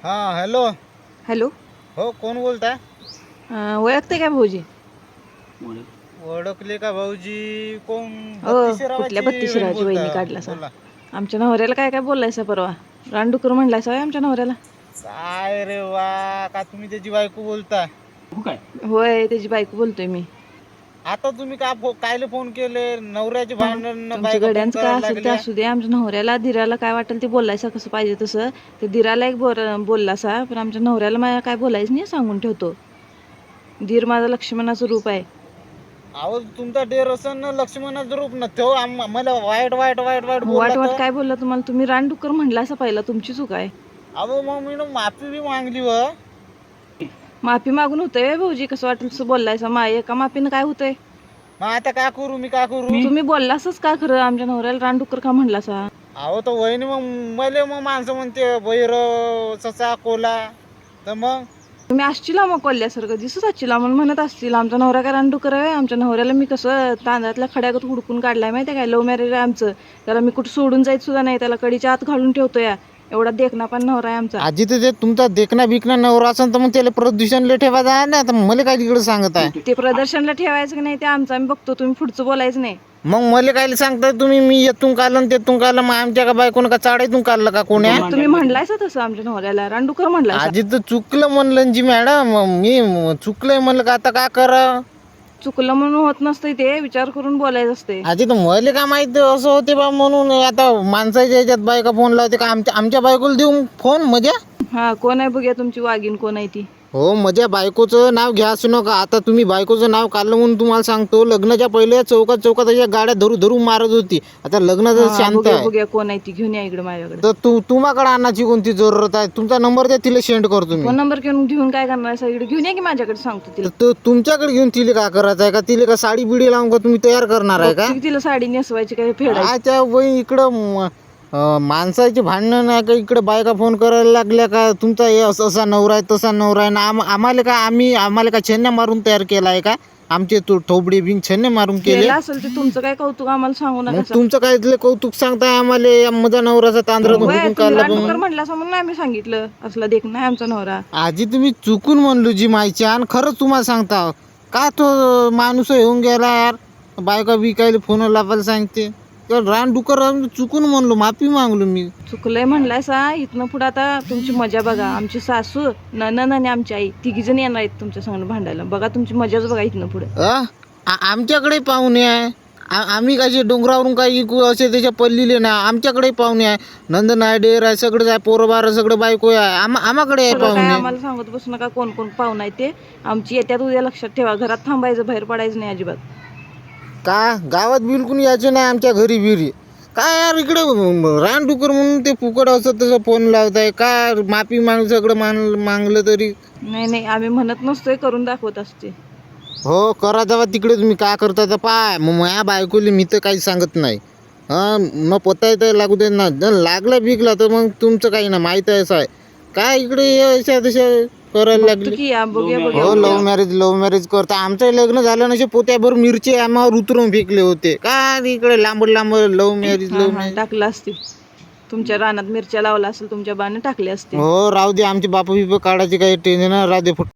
हां hello. Hello. हो कोण बोलताय? ओळखते काय भाऊजी? ओळखले का भाऊजी? कोण? हो, कुठल्या बत्तीसरावाची बहीण बत्तीसरावाची वहिनी बोलता? काढला सा? बोला. आमच्या नवऱ्याला काय काय बोललायसा परवा? रानडुकर म्हणलायसा होय आमच्या नवऱ्याला? काय रे वा, का तुम्ही त्याची बायको बोलता? होय, त्याची बायको बोलतोय मी. आता तुम्ही कायले फोन केले? नवऱ्याचे भांडण तुमच्या बायका फोन गड्यांचं काय करायला असेल ते लागल्या. असू दे. आमच्या नवऱ्याला दिराला काय वाटेल ते बोलायचं कसं पाहिजे तसं. ते दिराला एक बोललासा, पण आमच्या नवऱ्याला माझ्या काय बोलायचं नाही सांगून ठेवतो. दीर माझं लक्ष्मणाचं रूप आहे. अहो तुमचा डेर असन ना लक्ष्मणाचं रूप न ठेव. मला वाईट वाईट वाईट वाईट बोलला वाट वाट तर. काय बोलला तुम्हाला? तुम्ही रानडुक्कर म्हणलासा पहिला, तुमची चूक आहे. अहो मग मी माफी बी मागली व. माफी मागून होतंय भाऊजी? कसं वाटेल तसं बोललायसा? एका माफीनं काय होतंय? मग आता काय करू? मी काय करू? तुम्ही बोललासच का खरं? आमच्या नवऱ्याला रानडुक्कर का म्हणलासा? अहो तर वहिनी मग मग माणसं म्हणते बैर ससा कोला, तर मग तुम्ही असचिला मग कोल्ह्यासारखं दिसत असचिला म्हणून म्हणत असतील. आमचा नवरा काय रानडुकर आहे? आमच्या नवऱ्याला मी कसं तांदळातल्या खड्यागत हुडकून काढलाय माहिती आहे काय? लव्ह मॅरेज आहे आमचं. त्याला मी कुठं सोडून जायचं सुद्धा नाही. त्याला कडीच्या आत घालून ठेवतोय. एवढा देखना पण नवरा आहे आमचा. आजी तर ते तुमचा देखना बिकना नवरा असेल तर मग त्याला प्रदूषणला ठेवायचं आहे ना. तर मला काय तिकडे सांगत आहे? ते प्रदर्शनला ठेवायचं की नाही ते आमचं आम्ही बघतो. तुम्ही पुढचं बोलायचं नाही. मग मला काय सांगताय तुम्ही? मी येतून काढलं तेतून काढलं. मग आमच्या का बायकोनं का चाडायतून काढलं का कोण्या? तुम्ही म्हणलायसा तसं आमच्या नवऱ्याला रानडुकर म्हणलायसा. आजी तर चुकलं म्हणलं जी मॅडम. मी चुकलंय म्हणलं का आता काय करा? चुकलं म्हणून होत नसतंय, ते विचार करून बोलायचं असते. आजी तर मला काय माहिती असं होते बा म्हणून. आता माणसाच्या ह्याच्यात बायका फोन लावते का? आमच्या बायकोला देऊ फोन? मजा. हा, कोण आहे बघूया तुमची वाघीण कोण आहे ती. हो, माझ्या बायकोचं नाव घ्या असू नका. आता तुम्ही बायकोचं नाव काढलं म्हणून तुम्हाला सांगतो. लग्नाच्या पहिले चौकात अशा गाड्या धरू मारत होती. आता लग्नाचं शांत आहे. बघूया कोण आहे ती. घेऊन या इकडे माझ्याकडे. तर तुम्हाकडे आणण्याची कोणती जरूरत आहे? तुमचा नंबर द्या, तिला सेंड करतो मी. फोन नंबर घेऊन काय करणार? सगळीकडे घेऊन या की माझ्याकडे, सांगतो तिला. तर तुमच्याकडे घेऊन तिला काय करायचं आहे का? तिला का साडी बिडी लावून का तुम्ही तयार करणार आहे का? तिला साडी नेसवायची काय फेडायची? अच्छा वही इकडं माणसाची भांडणं नाही का? इकडे बायका फोन करायला लागल्या का? तुमचा हे असा नवरा आहे तसा नवरा आहे ना. आम्हाला का आम्हाला का छन्या मारून तयार केला आहे का? आमचे थोबडे बिन छन्ने मारून केले असेल ते तुमचं काय कौतुक आम्हाला सांगू मग नका. तुमचं काय इथलं कौतुक सांगताय आम्हाला? माझा नवराचा तांदळा हुडकून काढला म्हणला म्हणून आम्ही सांगितलं असला देख नाही आमचा नवरा. आजी तुम्ही चुकून म्हणलो जी मायची. आणि खरंच तुम्हाला सांगता का तो माणूस येऊन गेला यार. बायका बिकायला फोन लावायला सांगते. रानडुकर चुकून म्हणलो, माफी मागलो मी. चुकलंय म्हणलायसा. इथनं पुढे आता तुमची मजा बघा. आमची सासू ननन आणि आमची आई तिघी जण येणार आहेत तुमच्या संग भांडायला. बघा तुमची मजाच बघा इथनं पुढे. आमच्याकडे पाहुणे आहे. आम्ही कसे डोंगरावरून काही असे त्याच्या पल्लीले ना. आमच्याकडे पाहुणे आहे. नंदन आहे, डेर आहे, सगळं आहे, पोरं बार सगळं बायको आहे. आम्हाकडे आहे पाहुणे. आम्हाला सांगत बसू नका कोण कोण पाहुणा आहे ते. आमची येत्यात उद्या, लक्षात ठेवा. घरात थांबायचं, बाहेर पडायचं नाही अजिबात. का गावात बिलकुल यायचं नाही आमच्या घरी बिरी. काय यार इकडे रानडुकर म्हणून ते फुकट असं तसं फोन लावताय का? माफी सगळं मागलं तरी. नाही आम्ही म्हणत नसतोय, करून दाखवत असते. हो करा जावा तिकडे. तुम्ही काय करता तर पाय. मग माझ्या बायकोली मी तर काही सांगत नाही. मग पत्ता तर लागू दे ना. जर लागला बिकला तर मग तुमचं काही ना माहीत आहे असं आहे काय? इकडे अशा तशा करायला लागली. हो, लव्ह मॅरेज करता. आमचं लग्न झालं नसे पोत्याभर मिरची आम्हावर उतरून फेकले होते का? इकडे लांब लव्ह मॅरेज टाकलं असतील. तुमच्या रानात मिरच्या लावला असेल, तुमच्या बाने टाकले असते. हो राहू दे. आमचे बाप बिप काढायचे काही टेन्शन राहू दे.